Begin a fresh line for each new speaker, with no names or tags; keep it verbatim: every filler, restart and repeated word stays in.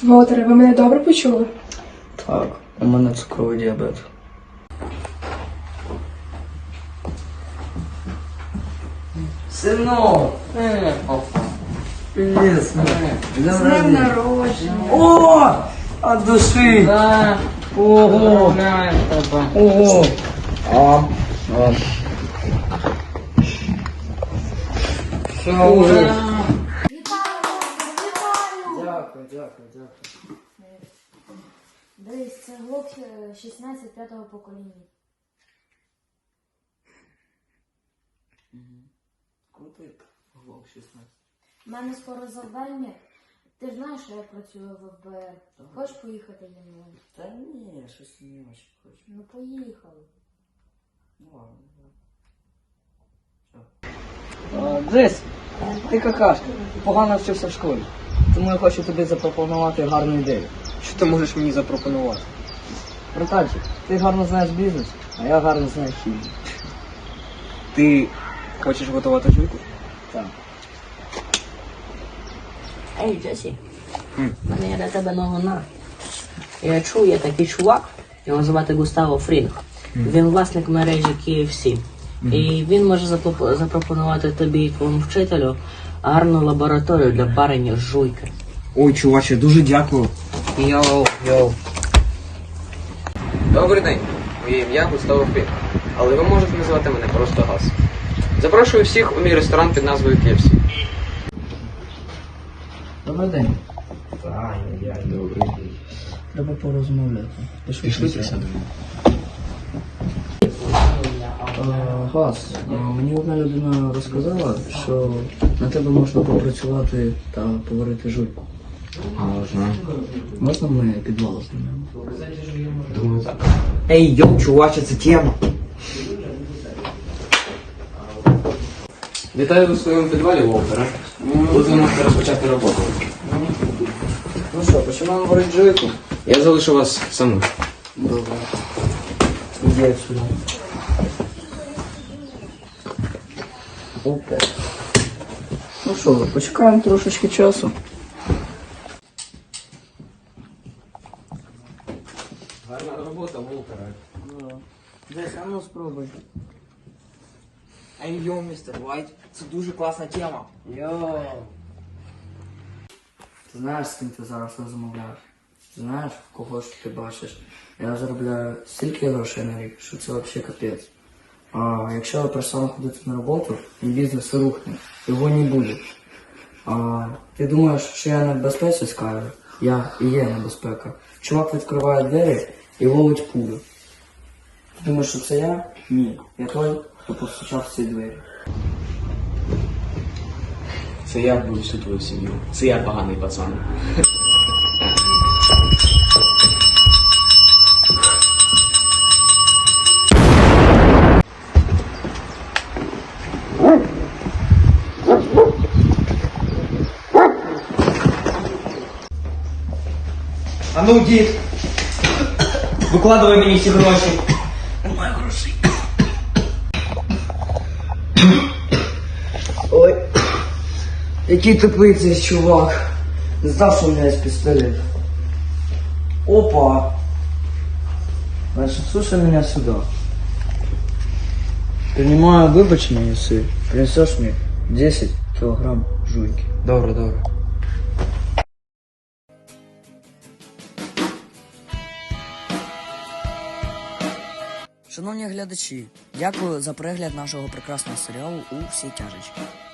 Волтере, ви мене добре почули?
Так, у мене цукровий діабет. Синок! Привіт, синок!
З днем народження.
О! От душі!
Да.
Ого!
Знаю тебе.
Ого! А, а.
Що вже?
Дякую, дякую, дякую.
Дивись, це глок шістнадцять п'ятого покоління.
Крутий глок шістнадцять.
У мене скоро завдання. Ти ж знаєш, що я працюю в еф бе ер. Хочеш поїхати зі мною?
Та ні, щось не очень хочу.
Ну поїхали.
Ну ладно. Дзесь, ти какашка, погано вчився в школі. Тому я хочу тобі запропонувати гарну ідею.
Що ти можеш мені запропонувати?
Братанчик, ти гарно знаєш бізнес, а я гарно знаю хімію.
Ти хочеш готувати жуйку?
Так.
Ей, Джесі, в мене є для тебе новина. Я чув, є такий чувак, його звати Густаво Фрінг. Він власник мережі кей еф сі. І він може запоп- запропонувати тобі і твоєму вчителю гарну лабораторію для парення жуйки.
Ой, чуваче, дуже дякую.
Йоу, йоу.
Добрий день. Моє ім'я Густаво Фрінг. Але ви можете називати мене просто Газ. Запрошую всіх у мій ресторан під назвою кей еф сі.
Добрий день.
Добрий день.
Треба порозмовляти. Пішли,
Пішли
присядемо. Газ, а, мені одна людина розказала, що на тебе можна попрацювати та поварити жуйку.
Можна.
Можна ми підвал знімемо?
Думаю, так. Ей, йоу, чуваче, це тема. Вітаю у своєму підвалі, Волтере. Тут ви можете розпочати роботу.
Ну що, починаємо варити жуйку?
Я залишу вас самих.
Добре. Іди сюди. Опа. Ну що, почекаємо трошечки часу.
Гарна робота, Волтере.
Десь, а ну спробуй.
Ей, йоу, містер Вайт, це дуже класна тема.
Йоу. Ти знаєш, з ким ти зараз розмовляєш? Знаєш, кого ж ти бачиш? Я заробляю стільки грошей на рік, що це взагалі капець. А якщо я перестану ходити на роботу, мій бізнес рухне, його не буде. А ти думаєш, що я не в безпеці з Кайрою? Я і є небезпека. Чувак відкриває двері і ловить пулю. Ти думаєш, що це я? Ні. Я той, хто постучав в ці двері.
Це я буду всю твою сім'ю. Це я поганий пацан. А ну, дід! Викладай мені всі гроші. Немає грошей.
Ой, який тупий цей чувак. Не знав, що у мене є пістолет. Опа. Значит, слушай меня сюда. Принимаю выбачення, если принесешь мне десять килограмм жуйки.
Добре, добре.
Шановні глядачі, дякую за перегляд нашого прекрасного серіалу «У всій тяжечі».